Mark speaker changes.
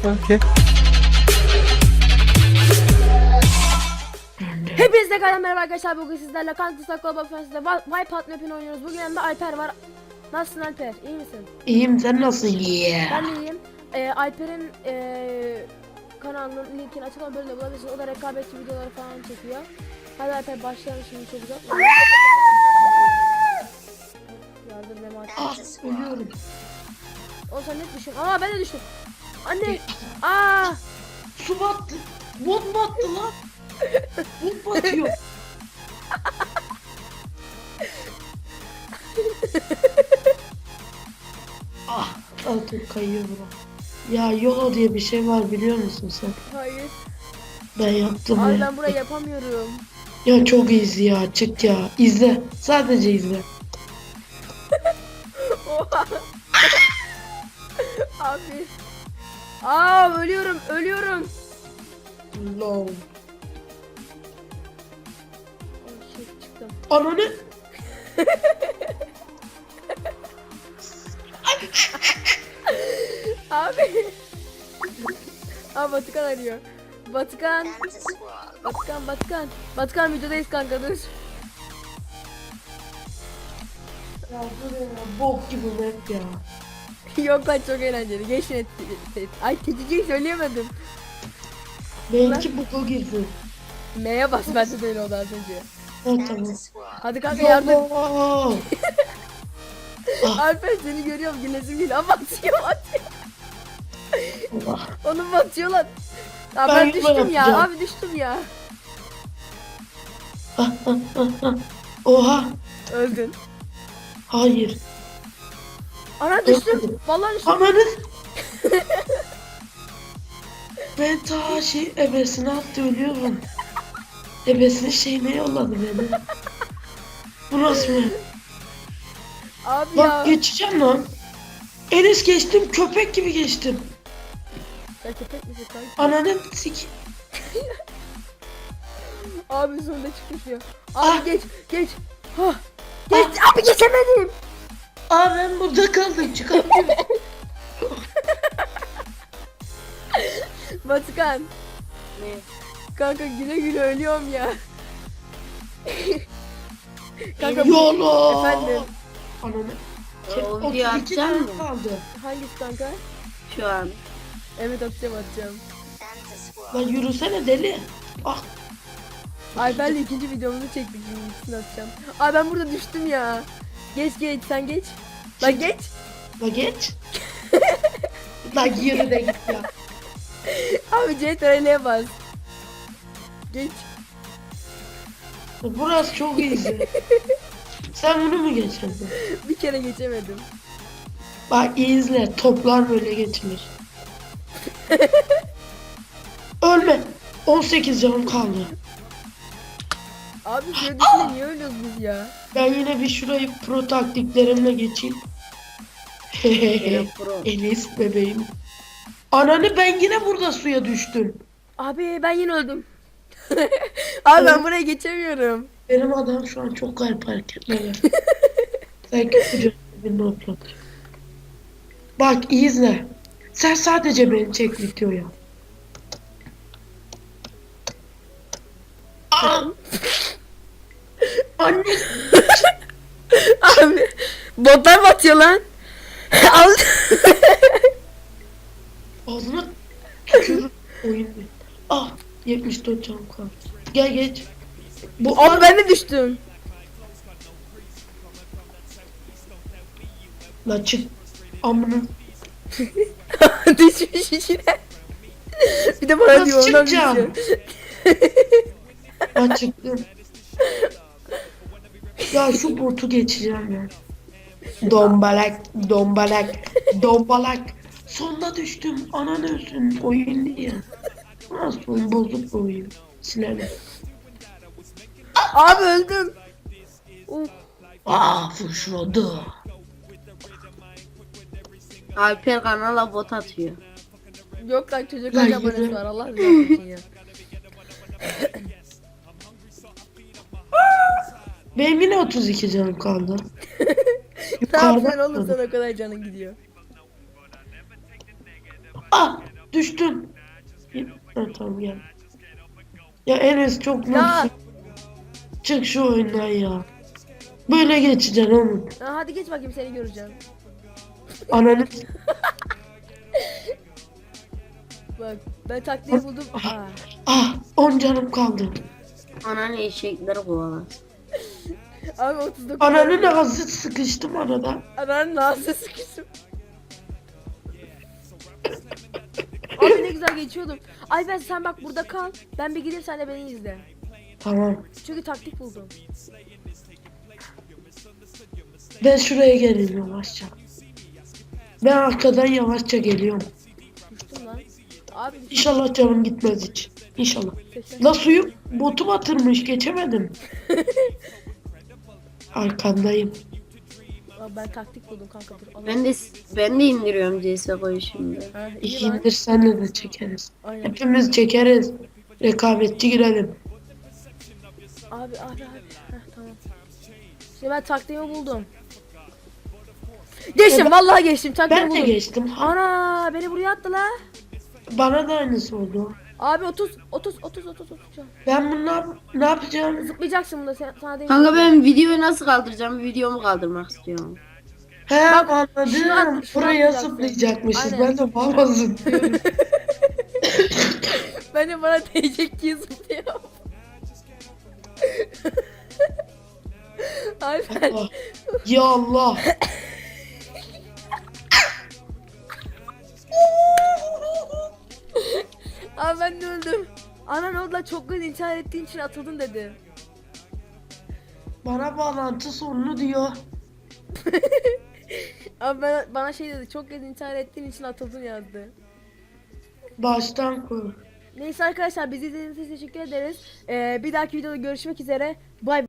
Speaker 1: Okay.
Speaker 2: Hepinize merhaba arkadaşlar, bugün sizlerle Counter-Strike Global Offensive'de Wipeout map'ini oynuyoruz. Bugün yanımda Alper var. Nasılsın Alper? İyi misin?
Speaker 3: İyiyim, sen nasılsın?
Speaker 2: Ben de iyiyim. Alper'in kanalının linkini açıklama bölümünde bulabilirsiniz. O da rekabetçi videoları falan çekiyor. Hadi Alper başlayalım şimdi, çok uzak. Yardım Mehmet.
Speaker 3: Ah, ölüyorum.
Speaker 2: O sen net düşün. Aa, ben de düştüm. Anne. Aa.
Speaker 3: Su battı. Bot battı lan. Bot batıyor. Ah, altın kayıyor bura. Ya YOLO diye bir şey var, biliyor musun sen?
Speaker 2: Hayır.
Speaker 3: Ben yaptım
Speaker 2: Abi
Speaker 3: ya.
Speaker 2: ben burayı yapamıyorum.
Speaker 3: Ya çok easy ya, çık ya. İzle. Sadece izle.
Speaker 2: Oha. Abi. Aa, ölüyorum.
Speaker 3: Lol.
Speaker 2: Oh shit, çıktım.
Speaker 3: Ananı.
Speaker 2: Abi. Aa, Batıkan arıyor. Batıkan videodayız kanka, dur.
Speaker 3: Ya bu ne ya? Bok gibi map ya.
Speaker 2: Yok lan, çok eğlenceli. Geç net. Ay, keçiciyi söyleyemedim.
Speaker 3: Benimki buga girdi.
Speaker 2: M'ye bas, bende de öyle oldu az önce.
Speaker 3: Ha, tamam.
Speaker 2: Hadi kanka, yardım.
Speaker 3: YOLO.
Speaker 2: Alper, seni görüyorum, güneşim geliyor. Aa, batıyor.
Speaker 3: Allah.
Speaker 2: Onu batıyor lan. Aa,
Speaker 3: Ben
Speaker 2: ben
Speaker 3: yuva
Speaker 2: düştüm ya.
Speaker 3: yapacağım.
Speaker 2: Abi düştüm ya.
Speaker 3: Oha.
Speaker 2: Öldün.
Speaker 3: Hayır.
Speaker 2: Ana, düştüm.
Speaker 3: Öldüm.
Speaker 2: Vallahi düştüm.
Speaker 3: Ananı. Ben ta ebesine attı, ölüyorum. Ebesinin şeyine yolladı beni. Bu nasıl mı?
Speaker 2: Abi
Speaker 3: Bak
Speaker 2: ya.
Speaker 3: geçeceğim lan. Enes geçtim, köpek gibi geçtim.
Speaker 2: Ya köpek misin kanka?
Speaker 3: Ananı sik.
Speaker 2: Abi sonunda çıkmış ya. Abi
Speaker 3: Ah.
Speaker 2: geç. Hah. Geç. Abi geçemedim.
Speaker 3: Aa, ben burada kaldım, çıkamıyorum.
Speaker 2: Batıkan.
Speaker 4: Ne?
Speaker 2: Kanka güle güle ölüyorum ya. Kanka
Speaker 3: YOLO.
Speaker 2: efendim.
Speaker 3: Ananı.
Speaker 4: O
Speaker 3: 32
Speaker 4: videoyu atacak
Speaker 3: tane
Speaker 4: mısın?
Speaker 3: kaldı.
Speaker 2: Hangisi kanka?
Speaker 4: Şu an.
Speaker 2: Evet, atacağım.
Speaker 3: Lan yürüsene deli. Ah.
Speaker 2: Alper'le ikinci videomuzu çektik, şimdi ikisini atacağım. Abi ben burada düştüm ya. Geç sen geç. Lan geç.
Speaker 3: La geç. La yürü de git ya.
Speaker 2: Abi CTRL'ye bas. Geç.
Speaker 3: Burası çok iyi. Sen bunu mu geçerdin?
Speaker 2: Bir kere geçemedim.
Speaker 3: Bak iyi izle. Toplar böyle geçilir. Ölme. 18 canım kaldı.
Speaker 2: Abi şöyle düşünün, niye ölüyoruz biz ya?
Speaker 3: Ben yine bir şurayı pro taktiklerimle geçeyim.
Speaker 4: Yine pro.
Speaker 3: Enes bebeğim. Ananı, ben yine burada suya düştüm.
Speaker 2: Abi ben yine öldüm. Abi ben buraya geçemiyorum.
Speaker 3: Benim adam şu an çok garip hareketler yapıyor. Sen kötüce bir notla. Bak iyi izle. Sen sadece beni çek videoya. Aa! Anne.
Speaker 2: Abi botlar batıyor lan. Al.
Speaker 3: Ağzına tükürür oyun. Ah, 74 canım kaldı. Gel geç. Bu
Speaker 2: Abi ben de düştüm.
Speaker 3: La çık. Amına.
Speaker 2: Düşmüş içine. Bir de bana
Speaker 3: Nasıl
Speaker 2: diyor, ondan
Speaker 3: çıkacağım?
Speaker 2: düşüyor.
Speaker 3: La çıktım. Ya şu botu geçeceğim ya. Dombalak. Sonunda düştüm. Ananı ölsün. Oyun değil. Nasıl oyun, bozuk bir oyun. Silelim.
Speaker 2: Abi öldüm. Uf.
Speaker 3: Fışladı.
Speaker 4: Alper kanala bot atıyor.
Speaker 2: Yok lan, çocuk
Speaker 3: Lan
Speaker 2: kaç abonesi
Speaker 3: yürü.
Speaker 2: var, Allah rızası için ya.
Speaker 3: Benim yine 32 canım kaldı.
Speaker 2: Ne yapacaksın
Speaker 3: Yukarıda
Speaker 2: oğlum, sen o kadar canın gidiyor.
Speaker 3: Ah! Düştüm. Ha, tamam gel. Ya Enes çok
Speaker 2: Ya.
Speaker 3: mutsuz. Çık şu oyundan ya. Böyle geçeceksin oğlum.
Speaker 2: Ha, hadi geç bakayım seni göreceğim.
Speaker 3: Ananı
Speaker 2: Bak ben taktiği buldum. Aa.
Speaker 3: ah 10 canım kaldı.
Speaker 4: Ananı eşekleri kovalar.
Speaker 2: Abi 39.
Speaker 3: Ananın ağzı sıkıştım arada.
Speaker 2: Ananın ağzı sıkıştım. Abi ne güzel geçiyordum. Ay ben sen bak burada kal. Ben bir gideyim sen de beni izle.
Speaker 3: Tamam.
Speaker 2: Çünkü taktik buldum.
Speaker 3: Ben şuraya geleyim yavaşça. Ben arkadan yavaşça geliyorum.
Speaker 2: Düştüm lan. Abi düştüm.
Speaker 3: İnşallah canım gitmez hiç. İnşallah. La suyu botu batırmış geçemedim. Arkandayım.
Speaker 2: Abi ben taktik buldum kanka dur. Allah.
Speaker 4: Ben de indiriyorum CSGO'yu şimdi.
Speaker 2: Ha, iyi lan.
Speaker 3: İkindir senle de çekeriz.
Speaker 2: Aynen.
Speaker 3: Hepimiz çekeriz. Rekabetçi girelim.
Speaker 2: Abi. Heh, tamam. Şimdi ben taktiğimi buldum. Geçtim vallahi geçtim taktiğimi
Speaker 3: Ben de
Speaker 2: buldum.
Speaker 3: geçtim.
Speaker 2: Ana beni buraya attı la.
Speaker 3: Bana da aynısı oldu.
Speaker 2: Abi 30.
Speaker 3: Ben bunlar ne yapacağım?
Speaker 2: Zıplayacaksın bunda sen, sana değil.
Speaker 4: Kanka ben videoyu nasıl kaldıracağım? Videomu kaldırmak istiyorum.
Speaker 3: He
Speaker 2: Bak,
Speaker 3: anladım.
Speaker 2: şunu
Speaker 3: Buraya
Speaker 2: atlayacaksın.
Speaker 3: zıplayacakmışız.
Speaker 2: Aynen.
Speaker 3: Ben de baba zıplıyorum.
Speaker 2: Ben de bana değecek diye zıplıyorum. Abi ben...
Speaker 3: Allah. Ya Allah.
Speaker 2: Abi ben de öldüm. Anan orada çok gün intihar ettiğin için atıldın dedi.
Speaker 3: Bana bağlantı sorunu diyor.
Speaker 2: Abi bana şey dedi, çok gün intihar ettiğin için atıldın yazdı.
Speaker 3: Baştan kur.
Speaker 2: Neyse arkadaşlar bizi izlediğiniz için teşekkür ederiz. Bir dahaki videoda görüşmek üzere. Bay bay.